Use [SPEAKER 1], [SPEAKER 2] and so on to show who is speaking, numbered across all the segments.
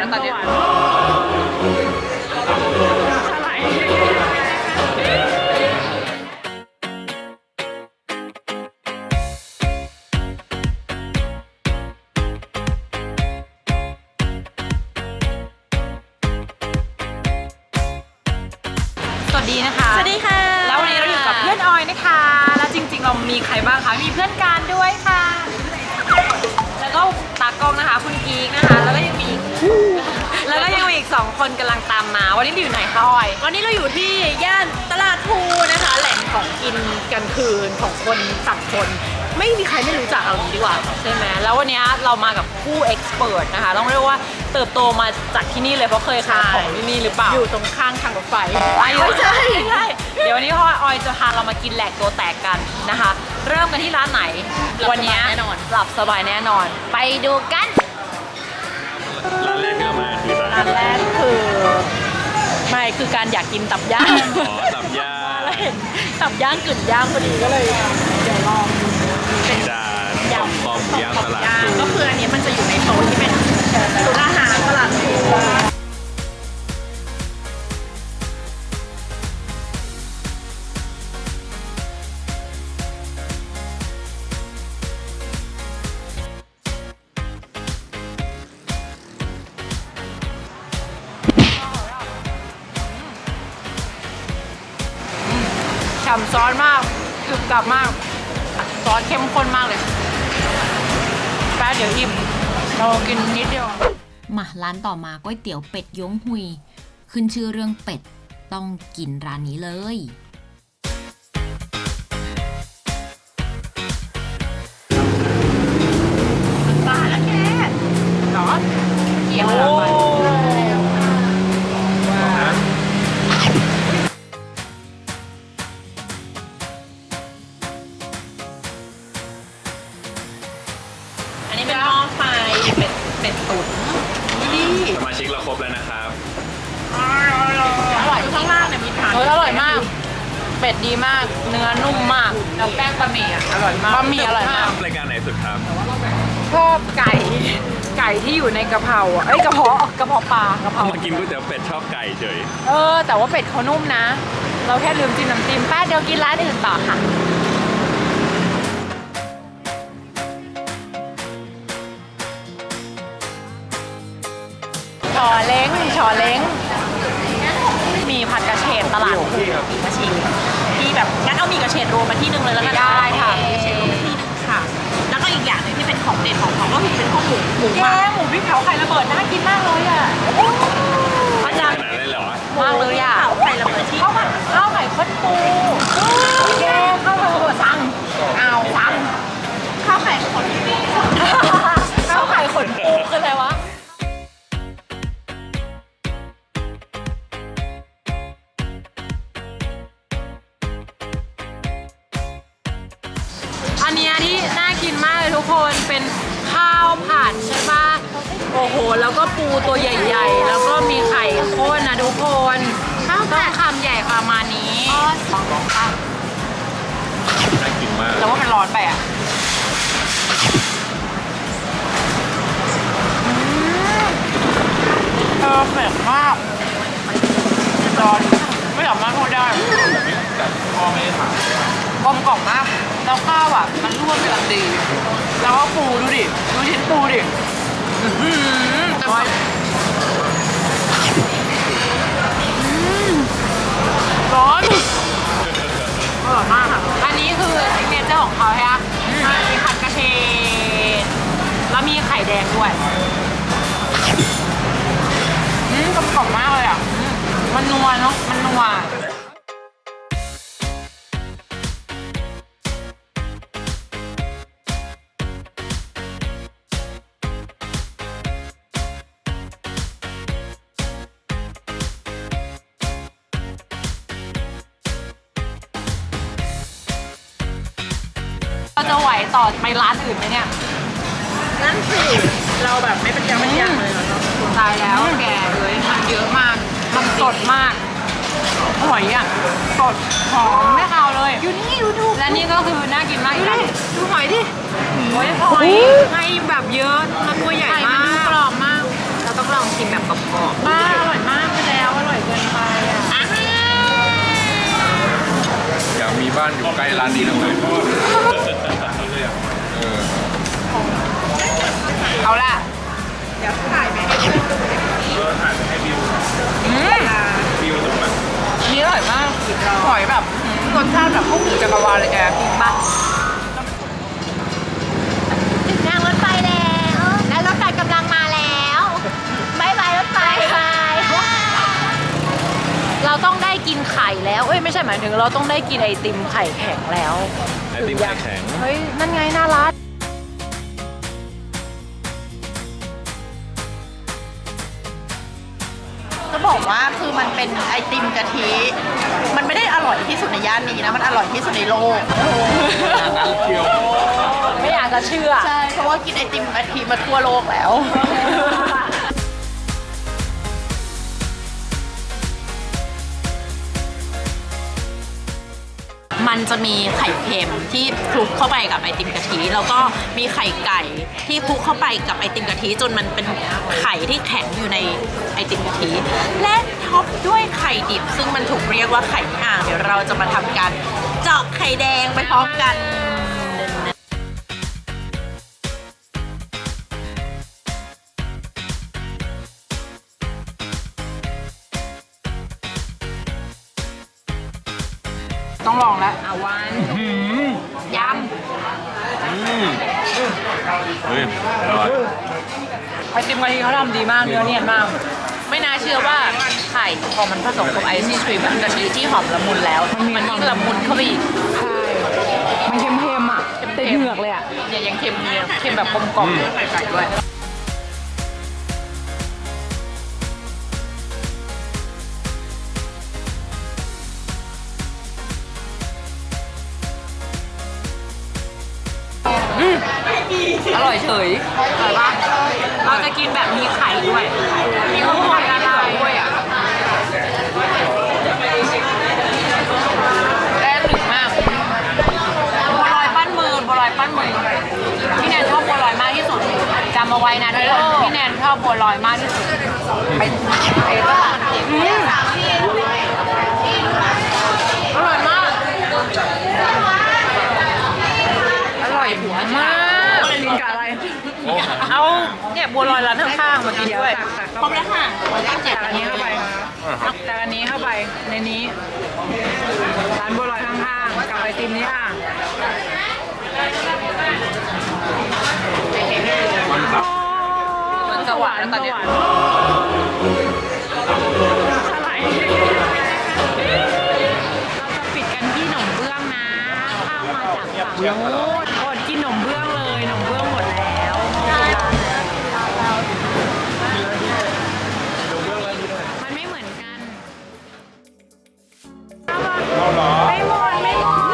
[SPEAKER 1] ตอนนี้สวัสดีนะคะ
[SPEAKER 2] สวัสดีค่ะ
[SPEAKER 1] แล้ววันนี้เราอยู่กับเพื่อนออยนะคะแล้วจริงๆเรามีใครบ้างคะมีเพื่อนการด้วยค่ะแล้วก็ตากล้องนะคะคุณกีกนะคะแล้วก็ยังมีอีก2 คนกำลังตามมาวันนี้เราอยู่ไหนคะออย
[SPEAKER 2] วันนี้เราอยู่ที่ย่านตลาดพลูนะคะแหล่งของกินกลางคืนของคนสังคนไม่มีใครไม่รู้จักเอางี้ดีกว่า
[SPEAKER 1] ใช่ไหมแล้ววันนี้เรามากับผู้เอ็กซ์เพรสนะคะต้องเรียกว่าเติบโตมาจากที่นี่เลยเพราะเคยขายของที่นี่หรือเปล่า
[SPEAKER 2] อยู่ตรงข้างทางรถไฟ
[SPEAKER 1] ไม่ใช่เดี๋ยววันนี้พ่อออยจะพาเรามากินแหลกตัวแตกกันนะคะเริ่มกันที่ร้านไหนวันนี้หลับสบายแน่นอนไปดูกัน
[SPEAKER 3] ร้านแรกที่เรามาคือร้าน
[SPEAKER 2] แรกคือการอยากกินตับย่าง
[SPEAKER 3] ตับย่าง
[SPEAKER 2] แล้วเห็นตับย่างกึ่นย่างพอดีก็เลยเดี๋ยวลอง
[SPEAKER 3] เป็นดาคอมย่างตลาด
[SPEAKER 2] ก็คืออันนี้มันจะอยู่ในโซนที่เป็นศูนย์อาหารตลาดพลู
[SPEAKER 1] ฉ่ำซอสมากกรึบกรับมากซอสเข้มข้นมากเลยแป๊บเดี๋ยวอิ่มเรากินนิดเดียว
[SPEAKER 4] มาร้านต่อมาก๋วยเตี๋ยวเป็ดย้งหุยขึ้นชื่อเรื่องเป็ดต้องกินร้านนี้เลย
[SPEAKER 2] ปลาแล้วแกหรอเกี่ยวไปเป็ดตุ๋นนี่
[SPEAKER 3] สมาชิกเราครบแล้วนะครับ
[SPEAKER 2] อร่อยข้างล่างเนี่ยมีทาน
[SPEAKER 1] อร่อยมากเป็ดดีมากเนื้อนุ่มมากแล้วแป้งบะหมี่อร่อยมากบะหมี่อร่อยมาก
[SPEAKER 3] รายการไหนสุดครับ
[SPEAKER 1] ชอบไก่ที่อยู่ในกะเพราอ่ะกระเพาะปลากะเพรา
[SPEAKER 3] มากินก๋วยเตี๋ยวเป็ดชอบไก่เฉย
[SPEAKER 1] แต่ว่าเป็ดเขานุ่มนะเราแค่ลืมจิ้มน้ำจิ้มแป๊บเดี๋ยวกินร้านอื่นต่อค่ะชอเล้งมีผัดกระเฉดตลาดพลู
[SPEAKER 2] กระเฉดที่แบบงั้นเอามีกระเฉดรวมมาที่นึงเลยแล้วกัน
[SPEAKER 1] ได้ค่ะ
[SPEAKER 2] กระเฉดรวมที่นึงค่ะแล้วก็อีกอย่างนึงที่เป็นของเด็ดของเขาก็คือเป็นข้าวหมู
[SPEAKER 1] หมูพริกเผาไข่ระเบิดน่ากินมากเลยอ่ะ
[SPEAKER 3] อาจารย์ขนาดนั้นเลยเหรอ
[SPEAKER 1] มากเลยอ่ะ
[SPEAKER 2] ไข่ระเบิดที่
[SPEAKER 1] ข้าวไข่ข้นปูแกข้าวไข่ระเบิดสั่ง
[SPEAKER 2] ข้าวไข่ขนปู
[SPEAKER 1] ข้าวไข่ขนปูคืออะไรวะอันนี้ที่น่ากินมากเลยทุกคนเป็นข้าวผัดใช่ปะโอ้โหแล้วก็ปูตัวใหญ่ๆแล้วก็มีไข่ข้นนะทุกคนต้องคำใหญ่ประมาณนี้
[SPEAKER 3] น่ากินมาก
[SPEAKER 1] แต่ว่ามันร้อนไปอ่ะเผ็ดมากร้อนไม่สามารถพูดได้
[SPEAKER 3] พ่อไม่ได้ถาม
[SPEAKER 1] กลมกล่อมมากแล้วข้าวอ่ะมันร่วนกำลังดีแล้วก็ปูดูชิ้นปูดิแต่ว่าร้อนอร่อยมากค่ะอันนี้คือซิกเนเจอร์ของเขาใช่ไหมมีผัดกระเฉดแล้วมีไข่แดงด้วยกลมกล่อมมากเลยอ่ะมันนัวเนาะมันนัวเราจะไหวต่อไปร้านอื่นไหมเนี่ย
[SPEAKER 2] นั่นสิเราแบบไม่เป็นยังเลยเนาะ
[SPEAKER 1] ตายแล้วแกเลยมันเยอะมากมันสดมากหอยอ่ะสดหอมไม่คาวเลย
[SPEAKER 2] อยู่นี่ดู
[SPEAKER 1] และนี่ก็คือน่ากินมาก
[SPEAKER 2] ดูหอยดิ
[SPEAKER 1] หอยให้แบบเยอะมันตัวใหญ่มาก
[SPEAKER 2] กรอบมากเราต้องลองชิมแบบกรอบๆ
[SPEAKER 1] อร่อยมากไปแล้วอร่อยเกินไปอ่ะ
[SPEAKER 3] อยากมีบ้านอยู่ใกล้ร้านนี้จังเลยเออ
[SPEAKER 2] เอาล่ะ เดี๋ยวถ่ายไปให้
[SPEAKER 3] ถ่ายให้บิวบิวถูกไหม
[SPEAKER 2] อันนี้อร่อยมากหอยแบบรสชาติแบบพวกหมูจักรวาลเลยแกจริงปะ
[SPEAKER 5] ถึงทางรถไฟแล้ว และรถไฟกำลังมาแล้วบายบายรถไฟบาย
[SPEAKER 2] เราต้องได้กินไข่แล้วเอ้ยไม่ใช่หมายถึงเราต้องได้กินไอติมไข่แข็งแล้ว
[SPEAKER 3] ไอติมไข่แข็ง
[SPEAKER 2] เฮ้ยนั่นไงน่ารักจะบอกว่าคือมันเป็นไอติมกะทิ มันไม่ได้อร่อยที่สุดในย่านนี้นะ มันอร่อยที่สุดในโลก
[SPEAKER 3] งั้นเชียว
[SPEAKER 2] ไม่อยากจะเชื่อ ใช่ เพราะว่ากินไอติมกะทิมาทั่วโลกแล้ว มันจะมีไข่เค็มที่คลุกเข้าไปกับไอติมกะทิ แล้วก็มีไข่ไก่ที่คลุกเข้าไปกับไอติมกะทิจนมันเป็นไข่ที่แข็งอยู่ในไอติมกะทิ และท็อปด้วยไข่ดิบ ซึ่งมันถูกเรียกว่าไข่อ่าง เดี๋ยวเราจะมาทำการเจาะไข่แดงไปพร้อมกัน ต้องลองแล้วอาวันย
[SPEAKER 3] เฮ้ยอร่อย
[SPEAKER 2] ำไอติมกะทิเขาทำดีมากเนื้อเนียนมาก ไม่น่าเชื่อว่าไข่พอมันผสมกับไอศครีมกะทิที่หอมละมุนแล้ว มันยิ่งละมุนเข้าไปอีก
[SPEAKER 1] มันเค็มๆอ่ะติดเหงือกเลยอ่ะ
[SPEAKER 2] เนี่ยยังเค็มเนี่ยเค็มแบบกลมกล่อมไข่ไก่ด้วยอร่อยเฉยอร่อยปะเราจะกินแบบมีไข่ด้วยมีข้าวโพดละลายด้วยอ่ะแป้งหนึบมากบัวลอยปั้นมือบัวลอยปั้นมือพี่แนนชอบบัวลอยมากที่สุดจำเอาไว้นะทุกคนพี่แนนชอบบัวลอยมากที่สุดไปก็มันเผ็ดอร่อยมากอร่อยหัวมากกินกับอะไรเอาเนี่ยบัวลอยร้านข้างๆมากินด้วยพร้อมแล้วค่ะตักอันนี้เข้าไปตักอันนี้เข้าไปในนี้ร้านบัวลอยข้างๆกับไอติมนี้ค่ะมันสวรรค์ตอนนี้อะไรเราจะปิดกันที่หนมเบื้องนะข้าวมาจากฝั่งโน้นอดกินหนมเบื้องเลยหนมเบื้องหมดแล้วมันไม่เหมือนกันไม่หมดไม่หมด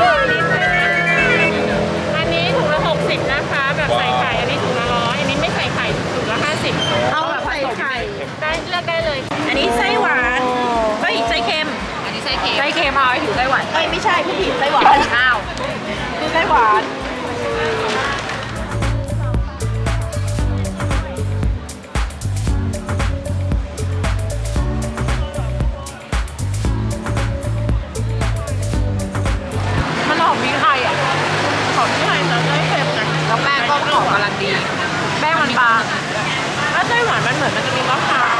[SPEAKER 2] อันนี้ถุงละ60นะคะแบบใส่ไข่อันนี้ถุงละ100อันนี้ไม่ใส่ไข่ถุงละ50เอาแบบใส่ไข่ได้เลือกได้เลย อันนี้ไส้หวานเฮ้ยไส้เค็มอันนี้ไส้เค็มไส้เค็มเอาไอ้ถือไส้หวานไม่ใช่พี่ผิดไส้หวานอ้าวคือไส้หวานมันหอมพริกไทยอ่ะหอมพริกไทยแต่ไม่เค็มนะแล้วแป้งก็หอมกำลังดีแป้งมันบางแล้วไส้หวานมันเหมือนมันจะมีมะพร้าว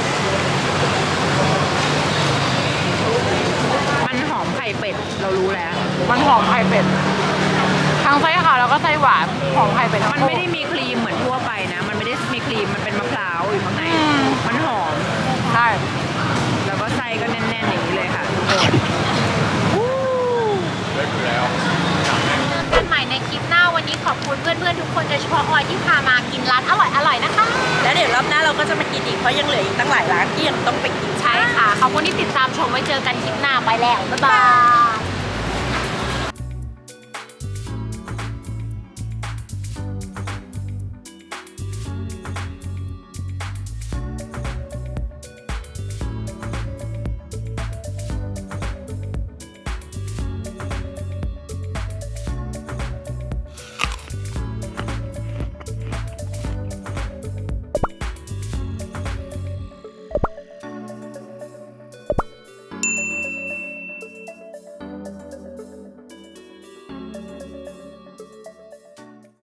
[SPEAKER 2] มันหอมไข่เป็ดเรารู้แล้วมันหอมไข่เป็ดทั้งไส้ขาวแล้วก็ไส้หวานหอมไข่เป็ดมันไม่ได้มีครีมเหมือนทั่วไปนะมันไม่ได้มีครีมมันเป็นมะพร้าวอยู่ข้างในมันหอมใช่แล้วก็ไส้ก็แน่นๆอย่างนี้เลยค่ะทุกคน
[SPEAKER 3] ได้อยู่แล้ว
[SPEAKER 5] กันใหม่ในคลิปหน้าวันนี้ขอบคุณเพื่อนๆทุกคนโดยเฉพาะออยที่พามากินร้านอร่อยๆนะคะ
[SPEAKER 2] แล้วเดี๋ยวรอบหน้าเราก็จะมากินอีกเพราะยังเหลืออีกตั้งหลายร้านที่ยังต้องไปกิน
[SPEAKER 5] ใช่ค่ะ ขอบคุณที่ติดตามชมไว้เจอกันคลิปหน้าไปแล้ว บ๊ายบาย